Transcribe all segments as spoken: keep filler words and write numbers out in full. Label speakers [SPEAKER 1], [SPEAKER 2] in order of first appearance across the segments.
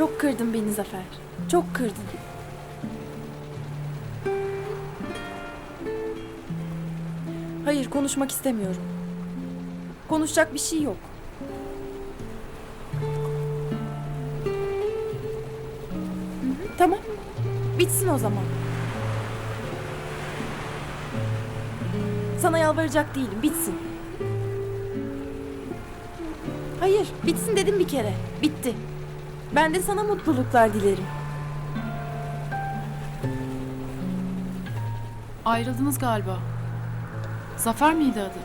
[SPEAKER 1] Çok kırdın beni Zafer. Çok kırdın. Hayır, konuşmak istemiyorum. Konuşacak bir şey yok. Hı hı, tamam. Bitsin o zaman. Sana yalvaracak değilim. Bitsin. Hayır, bitsin dedim bir kere. Bitti. Ben de sana mutluluklar dilerim.
[SPEAKER 2] Ayrıldınız galiba. Zafer miydi adı?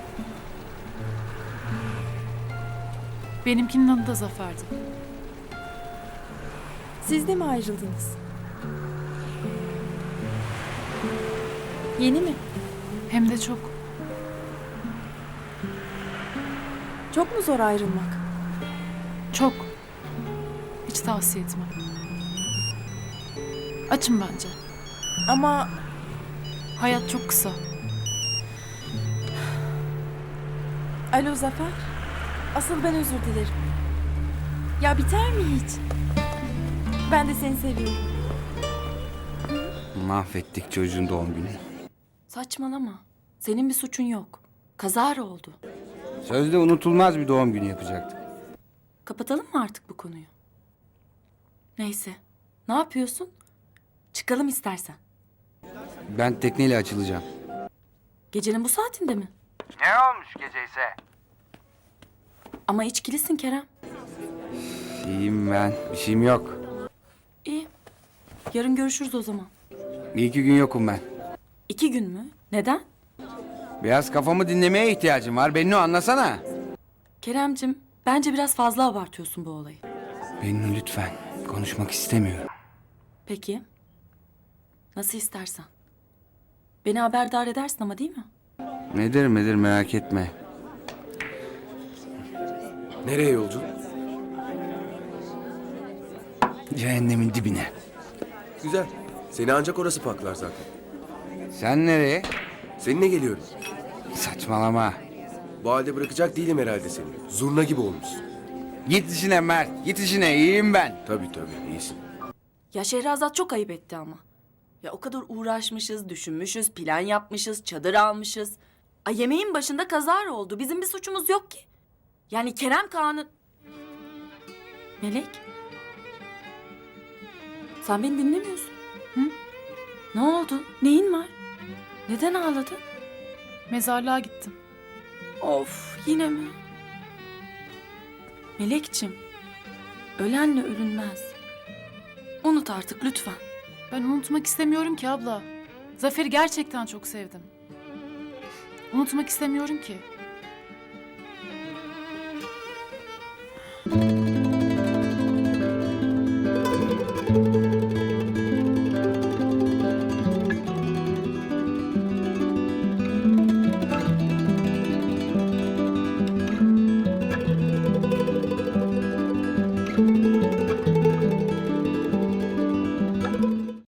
[SPEAKER 2] Benimkinin adı da Zafer'di.
[SPEAKER 1] Siz de mi ayrıldınız? Yeni mi?
[SPEAKER 2] Hem de çok.
[SPEAKER 1] Çok mu zor ayrılmak?
[SPEAKER 2] Çok. Hiç tavsiye etmem. Açın bence.
[SPEAKER 1] Ama
[SPEAKER 2] Hayat çok kısa.
[SPEAKER 1] alo Zafer. Asıl ben özür dilerim. Ya biter mi hiç? Ben de seni seviyorum.
[SPEAKER 3] Mahvettik çocuğun doğum gününü.
[SPEAKER 4] Saçmalama. Senin bir suçun yok. Kazara oldu.
[SPEAKER 3] Sözde unutulmaz bir doğum günü yapacaktık.
[SPEAKER 4] Kapatalım mı artık bu konuyu? Neyse. Ne yapıyorsun? Çıkalım istersen.
[SPEAKER 3] Ben tekneyle açılacağım.
[SPEAKER 4] Gecenin bu saatinde mi?
[SPEAKER 3] Ne olmuş gece ise?
[SPEAKER 4] Ama içkilisin Kerem.
[SPEAKER 3] İyiyim ben. Bir şeyim yok.
[SPEAKER 4] İyi. Yarın görüşürüz o zaman.
[SPEAKER 3] Bir iki gün yokum ben.
[SPEAKER 4] İki gün mü? Neden?
[SPEAKER 3] Biraz kafamı dinlemeye ihtiyacım var. Beni anlasana.
[SPEAKER 4] Keremcim, bence biraz fazla abartıyorsun bu olayı.
[SPEAKER 3] Bennu lütfen. Konuşmak istemiyorum.
[SPEAKER 4] Peki. Nasıl istersen. Beni haberdar edersin ama değil mi?
[SPEAKER 3] Nedir nedir merak etme.
[SPEAKER 5] Nereye yolcu?
[SPEAKER 3] Cehennemin dibine.
[SPEAKER 5] Güzel. Seni ancak orası paklar zaten.
[SPEAKER 3] Sen nereye?
[SPEAKER 5] Seninle geliyorum.
[SPEAKER 3] Saçmalama.
[SPEAKER 5] Bu halde bırakacak değilim herhalde seni. Zurna gibi olmuşsun.
[SPEAKER 3] Git işine Mert. Git işine. İyiyim ben.
[SPEAKER 5] Tabii tabii iyisin.
[SPEAKER 4] Ya Şehrazat çok ayıp etti ama. Ya o kadar uğraşmışız, düşünmüşüz, plan yapmışız, çadır almışız. Ay yemeğin başında kazara oldu. Bizim bir suçumuz yok ki. Yani Kerem Kaan'ın... Melek? Sen beni dinlemiyorsun. Hı? Ne oldu? Neyin var? Neden ağladın?
[SPEAKER 2] Mezarlığa gittim.
[SPEAKER 4] Of yine mi? Melekçim, ölenle ölünmez. Unut artık lütfen.
[SPEAKER 2] Ben unutmak istemiyorum ki abla. Zafer'i gerçekten çok sevdim. Unutmak istemiyorum ki.